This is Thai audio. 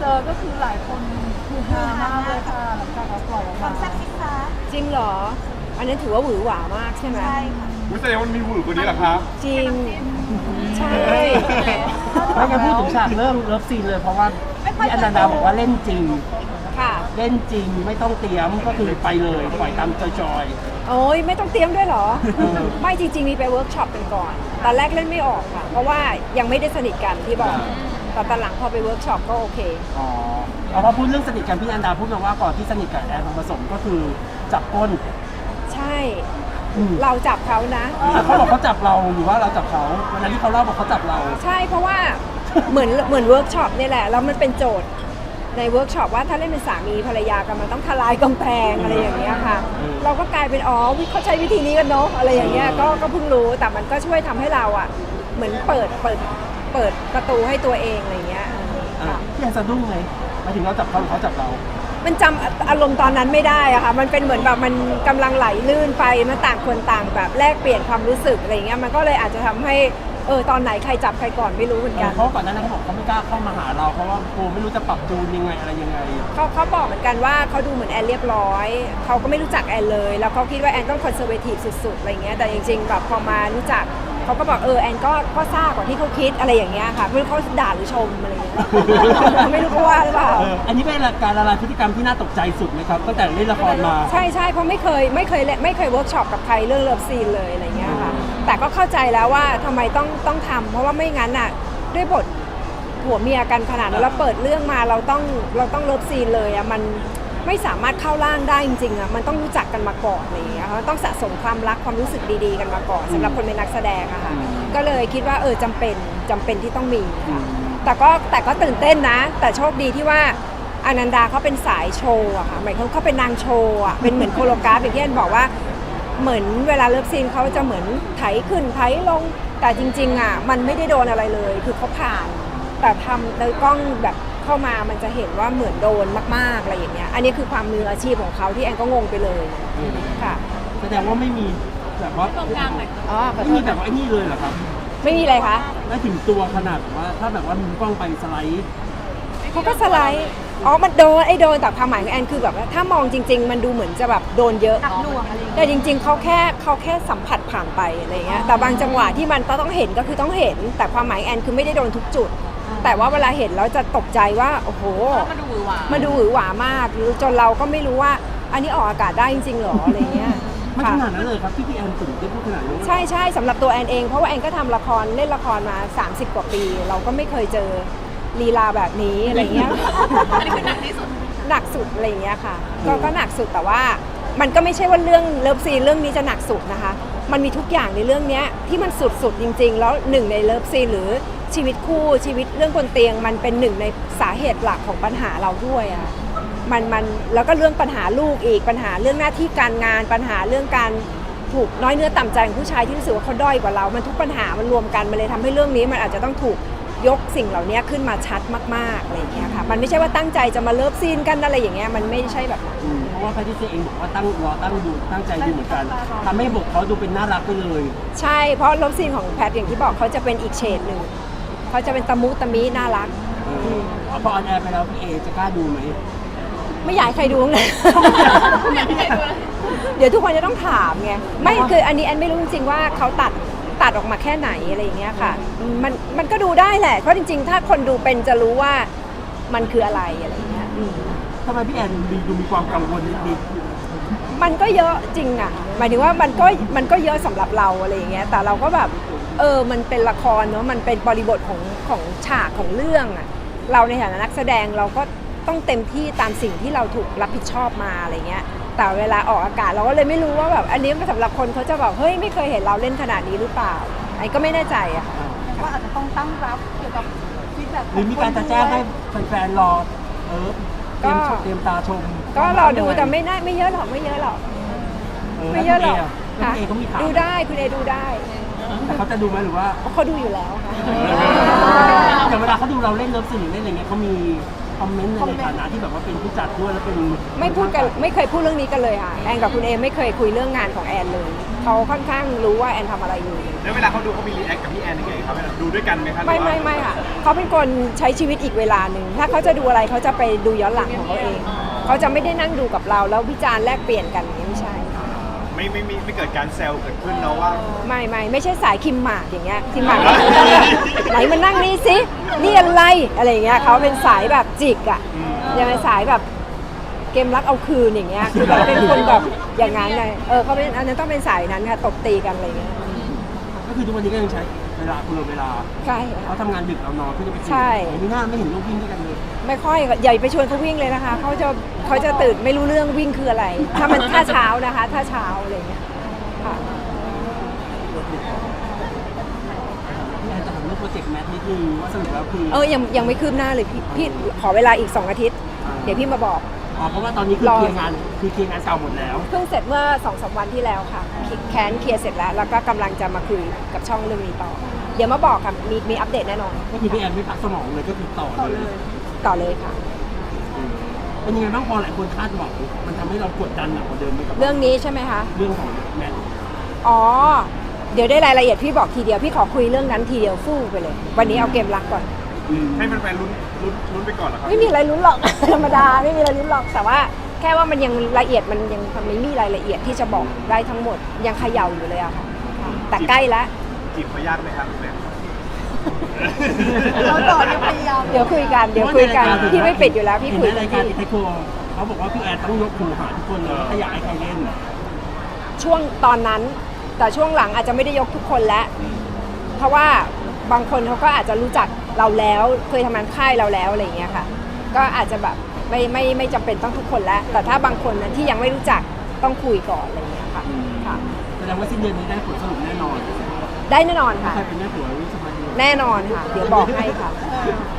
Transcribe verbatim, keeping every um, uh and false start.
จอก็คือหลายคนคือฮามากเลยค่ะหลังจากเราปล่อยออกมาแซ่บซิคะจริงเหรออันนั้นถือว่าหวือหวามากใช่ไหมใช่ค่ะอุ้ยแสดงว่ามันมีหวือกว่านี้เหรอครับจริงใช่ไม่งั้นพูดถึงฉากเริ่มเลิฟซีนเลยเพราะว่าพี่อนันดาบอกว่าเล่นจริงค่ะเล่นจริงไม่ต้องเตรียมก็คือไปเลยปล่อยตามจอยโอ้ยไม่ต้องเตรียมด้วยเหรอเออไม่จริงๆ มีไปเวิร์กช็อปกันก่อน ตอนแรกเล่นไม่ออกค่ะ เพราะว่ายังไม่ได้สนิทกันที่บอกแต่ตอนหลังพอไปเวิร์กช็อปก็โอเคๆอ๋อเอาพอพูดเรื่องสนิทกันพี่อนันดาพูดมาว่าก่อนที่สนิทกับแอนทองผสมก็คือจับก้นใช่อืมเราจับเขานะแต่เขาบอกเขาจับเราหรือว่าเราจับเขาวันนั้นที่เขาเล่าบอกเขาจับเราใช่เพราะว่าเหมือนเหมือนเวิร์กช็อปนี่แหละแล้วมันเป็นโจทย์ในเวิร์กช็อปว่าถ้าเล่นเป็นสามีภรรยากันมันต้องทลายกำแพงอะไรอย่างเงี้ยค่ะอืมเราก็กลายเป็นอ๋อวิเขาใช้วิธีนี้กันเนาะอะไรอย่างเงี้ยก็ก็เพิ่งรู้แต่มันก็ช่วยทำให้เราอ่ะเหมือนเปิดเปิดเปิดประตูให้ตัวเองอะไรอย่างเงี้ยอ่ะค่ะพี่แอนสะดุ้งเลยหมายถึงเราจับเขาหรือเขาจับเรามันจำอารมณ์ตอนนั้นไม่ได้อะค่ะมันเป็นเหมือนแบบมันกำลังไหลลื่นไปมันต่างคนต่างแบบแลกเปลี่ยนความรู้สึกอะไรอย่างเงี้ยมันก็เลยอาจจะทำให้เออตอนไหนใครจับใครก่อนไม่รู้เหมือนกันเพราะก่อนหน้านั้นเขาบอกเขาไม่กล้าเข้ามาหาเราเพราะว่ากลัวไม่รู้จะปรับจูนยังไงอะไรยังไงเขาเขาบอกเหมือนกันว่าเขาดูเหมือนแอนเรียบร้อยเขาก็ไม่รู้จักแอนเลย แล้วเขาคิดว่าแอนต้องคอนเซอร์เวทีฟสุดๆอะไรเงี้ยแต่จริงๆแบบพอมารู้จักเขาก็บอกเออแอนก็ก็ซ่ากว่าที่เขาคิดอะไรอย่างเงี้ยค่ะไม่รู้เขาด่าหรือชมอะไรเงี้ย ไม่รู้เขาว่าหรือเปล่าเอออันนี้เป็นการละลายพฤติกรรมที่น่าตกใจสุดไหมครับตั้งแต่เล่นละครมาใช่ใช่เพราะไม่เคยไม่เคยเล่นไม่เคยเวิร์กช็อปกับใครเรื่องเลิฟซีนเลยอะไรเงี้ยค่ะแต่ก็เข้าใจแล้วว่าทำไมต้องต้องทำเพราะว่าไม่งั้นอ่ะด้วยบทผัวเมียกันขนาดนั้นแล้วเปิดเรื่องมาเราต้องเราต้องเลิฟซีนเลยอ่ะมันไม่สามารถเข้าร่างได้จริงๆอ่ะมันต้องรู้จักกันมาก่อนอะไรอย่างเงี้ยค่ะต้องสะสมความรักความรู้สึกดีๆกันมาก่อนสำหรับคนเป็นนักแสดงอะค่ะก็เลยคิดว่าเออจำเป็นจำเป็นที่ต้องมีค่ะแต่ก็แต่ก็ตื่นเต้นนะ แต่โชคดีที่ว่าอนันดาเขาเป็นสายโชว์อะค่ะหมายความเขาเป็นนางโชว์อะเป็นเหมือนโคโรกราฟอย่างที่แอนบอกว่าเหมือนเวลาเลิฟซีนเขาจะเหมือนไถขึ้นไถลงแต่จริงๆอะมันไม่ได้โดนอะไรเลยคือเขาผ่านแต่ทำโดยกล้องแบบเข้ามามันจะเห็นว่าเหมือนโดนมากๆอะไรอย่างเงี้ยอันนี้คือความมืออาชีพของเขาที่แอนก็งงไปเลยค่ะแสดงว่าไม่มีแบบว่าอ๋อขอไม่โทมีษแบบว่าไอ้นี่เลยเหรอครับไม่มีอะไรคะไม่ถึงตัวขนาดแบบว่าถ้าแบบว่ามุมกล้องไปสไลด์เขาก็สไลด์อ๋อมันโดนไอ้โดนแต่ความหมายของแอนคือแบบว่าถ้ามองจริง ๆ มันดูเหมือนจะแบบโดนเยอะหนักหน่วงอะไรอย่างเงี้ยแต่จริง ๆเขาแค่เขาแค่สัมผัสผ่านไปอะไรเงี้ยแต่บางจังหวะที่มันต้องเห็นก็คือต้องเห็น แต่ความหมายแอนคือไม่ได้โดนทุกจุด แต่ว่าเวลาเห็นแล้วจะตกใจว่าโอ้โหมันดูหวือหวามันดูหวือหวามากหรือจนเราก็ไม่รู้ว่าอันนี้ออกอากาศได้จริงๆหรออะไรเงี้ยไม่ขค่ะนาดนั้นเลยครับที่พี่แอนถึงได้พูดขนาดนี้ใช่ใช่สำหรับตัวแอนเองเพราะว่าแอนก็ทำละครเล่นละครมา สามสิบ กว่าปี เราก็ไม่เคยเจอลีลาแบบนี้อะไรเงี้ยอันนี้คือหนักที่สุดหนักสุดอะไรอย่างเงี้ยค่ะก็ก็หนักสุดแต่ว่ามันก็ไม่ใช่ว่าเรื่องเลิฟซีนเรื่องนี้จะหนักสุดนะคะมันมีทุกอย่างในเรื่องเนี้ยที่มันสุดสุดจริง ๆ แล้วหนึ่งในเลิฟซีนหรือชีวิตคู่ชีวิตเรื่องบนเตียง มันเป็นหนึ่งในสาเหตุหลักของปัญหาเราด้วยอ่ะมันมันแล้วก็เรื่องปัญหาลูกอีกปัญหาเรื่องหน้าที่การงานปัญหาเรื่องการถูกน้อยเนื้อต่ำใจของผู้ชายที่รู้สึกว่าเขาด้อยกว่าเรา มันทุกปัญหามันรวมกันมันเลยทำให้เรื่องนี้มันอาจจะต้องถูกยกสิ่งเหล่านี้ขึ้นมาชัดมากๆอะไรอย่างเงี้ยค่ะมันไม่ใช่ว่าตั้งใจจะมาเลิฟซีนกันอะไรอย่างเงี้ยมันไม่ใช่แบบนั้นอืมเพราะว่าแพทริเซียเองบอกว่าตั้งรอตั้งดูตั้งใจดูเหมือนกันทำให้บทเขาดูเป็นน่ารักไปเลยใช่เพราะเลิฟซีนของแพทอย่างที่บอกเขาจะเป็นอีกเฉดหนึ่งเขาจะเป็นตะมุตะมิน่ารักเออเอาพอออนแอร์ไปแล้วพี่เอจะกล้าดูไหมไม่อยากให้ใครดูเลย เดี๋ยวทุกคนจะต้องถามไงไม่คืออันนี้แอนไม่รู้จริงๆว่าเขาตัดตัดออกมาแค่ไหนอะไรอย่างเงี้ยค่ะมันมันก็ดูได้แหละเพราะจริงๆ ถ้าคนดูเป็นจะรู้ว่ามันคืออะไรอะไรอย่างเงี้ยอืมทำไมพี่แอนดูดูมีความกังวลนิดมันก็เยอะจริงอ่ะหมายถึงว่ามันก็มันก็เยอะสำหรับเราอะไรอย่างเงี้ยแต่เราก็แบบเออมันเป็นละครเนาะมันเป็นบริบทของของฉากของเรื่องอ่ะเราในฐานะนักแสดงเราก็ต้องเต็มที่ตามสิ่งที่เราถูกรับผิดชอบมาอะไรเงี้ยแต่เวลาออกอากาศเราก็เลยไม่รู้ว่าแบบอันนี้สำหรับคนเขาจะแบบเฮ้ยไม่เคยเห็นเราเล่นขนาดนี้หรือเปล่าไอ้ก็ไม่แน่ใจอะค่ะว่าอาจจะต้องตั้งรับเกี่ยวกับฟีดแบ็กๆหรือมีการจะแจ้งให้แฟนๆรอเออเตรียมชมเตรียมตาชมก็รอดูแต่ไม่น่าไม่เยอะหรอกไม่เยอะหรอกไม่เยอะหรอกแล้วพี่เอเขามีข่าวดูได้คุณเอดูได้แต่เขาจะดูไหมหรือว่าเพราะเขาดูอยู่แล้วค่ะแต่เวลาเขาดูเราเล่นเลิฟซีนหรือเล่นอะไรเงี้ยเขามีคอมเมนต์ในฐานะที่แบบว่าเป็นผู้จัดด้วยแล้วเป็นไม่พูดกันไม่เคยพูดเรื่องนี้กันเลยค่ะแอนกับคุณเอไม่เคยคุยเรื่องงานของแอนเลยเขาค่อนข้างรู้ว่าแอนทำอะไรอยู่แล้วเวลาเขาดูเขามีรีแอคกับพี่แอนยังไงครับเวลาดูด้วยกันไหมครับไม่ไม่ไม่ค่ะเขาเป็นคนใช้ชีวิตอีกเวลาหนึ่งถ้าเขาจะดูอะไรเขาจะไปดูย้อนหลังของเขาเองเขาจะไม่ได้นั่งดูกับเราแล้ววิจารณ์แลกเปลี่ยนกันอย่างนี้ไม่ใช่ไม่ไม่ไม่ไม่เกิดการแซวเกิดขึ้นเนาะว่าไม่ไม่ไม่ใช่สายคิมหมากอย่างเงี้ยคิมหมาก ไหนมานั่งนี่สินี่อะไรอะไรอย่างเงี้ยเขาเป็นสายแบบจิกอ่ะยังไงสายแบบเกมรักเอาคืนอย่างเงี้ยคือแบบเป็นคนแบบอย่างนั้นไงเออเขาเป็นอันนั้นต้องเป็นสายนั้นค่ะตบตีกันอะไรเงี้ยก็คือทุกวันนี้ก็ยังใช้เวลาคุณเวลาใช่เขาทำงานดึกเรานอนเพื่อจะไปคุยใช่มีหน้าไม่เห็นลูกวิ่งด้วยกันเลยไม่ค่อยใหญ่ไปชวนเขาวิ่งเลยนะคะเขาจะเขาจะตื่นไม่รู้เรื่องวิ่งคืออะไร ถ้ามันถ้าเช้านะคะ ถ้าเช้าอะไรเงี้ยค่ะพี่แอนจะถามเรื่องโปรเจกต์แมทนิดนึงว่าสรุปแล้วคือเออยังยังไม่คืบหน้าเลยพี่พี่ขอเวลาอีกสองอาทิตย์ เดี๋ยวพี่มาบอกอ๋อเพราะว่าตอนนี้คือรอเคลียร์งานคือเคลียร์งานเก่าหมดแล้วเพิ่งเสร็จเมื่อสองสามวันที่แล้วค่ะแคนเคลียร์เสร็จแล้ว แล้วก็กำลังจะมาคุยกับช่องเรื่องนี้ต่อ เดี๋ยวมาบอกค่ะมีมีอัปเดตแน่นอนก็คือพี่แอนไม่พักสมองเลยก็คือต่อเลยต่อเลยค่ะเป็นยังไงบ้างพอหลายคนคาดหวังมันทำให้เรากดดันหนักกว่าเดิมไหมกับเรื่องนี้ใช่ไหมคะเรื่องของแมทอ๋อ เดี๋ยวได้รายละเอียดพี่บอกทีเดียว พี่ขอคุยเรื่องนั้นทีเดียวฟู่ไปเลย วันนี้เอาเกมรักก่อนให้แฟนๆลุ้นลุ้นลุ้นไปก่อนเหรอครับไม่มีอะไรลุ้นหรอก ธรรมดาไม่มีอะไรลุ้นหรอกแต่ว่าแค่ว่ามันยังละเอียดมันยังไม่มีรายละเอียดที่จะบอกได้ทั้งหมดยังเขย่าอยู่เลยอะค่ะแต่ใกล้แล้วจีบเขายากไหมครับแม่เราต่อยังพยายามเดี๋ยวคุยกันเดี๋ยวคุยกันพี่ไม่ปิดอยู่แล้วพี่เห็นคุยในกัราน ยการเทคโคเขาบอกว่าพี่แอนต้องยกหูหาทุกคนเลยถ้าอยากให้ใครเล่นช่วงตอนนั้น แต่ช่วงหลังอาจจะไม่ได้ยกทุกคนแล้ว เพราะว่าบางคนเขาก็อาจจะรู้จักเราแล้วเคยทำงานค่ายเราแล้วอะไรอย่างเงี้ยค่ะ ก็อาจจะแบบไม่ไม่ไม่จำเป็นต้องทุกคนแล้ว แต่ถ้าบางคนนะที่ยังไม่รู้จักต้องคุยก่อนอะไรอย่างเงี้ยค่ะค่ะแสดงว่าสิ้นเดือนนี้ได้ผลสรุปแน่นอนได้แน่นอนค่ะใครเป็นแม่ผัววิสมาดีแน่นอนค่ะ เดี๋ยวบอกให้ค่ะเออ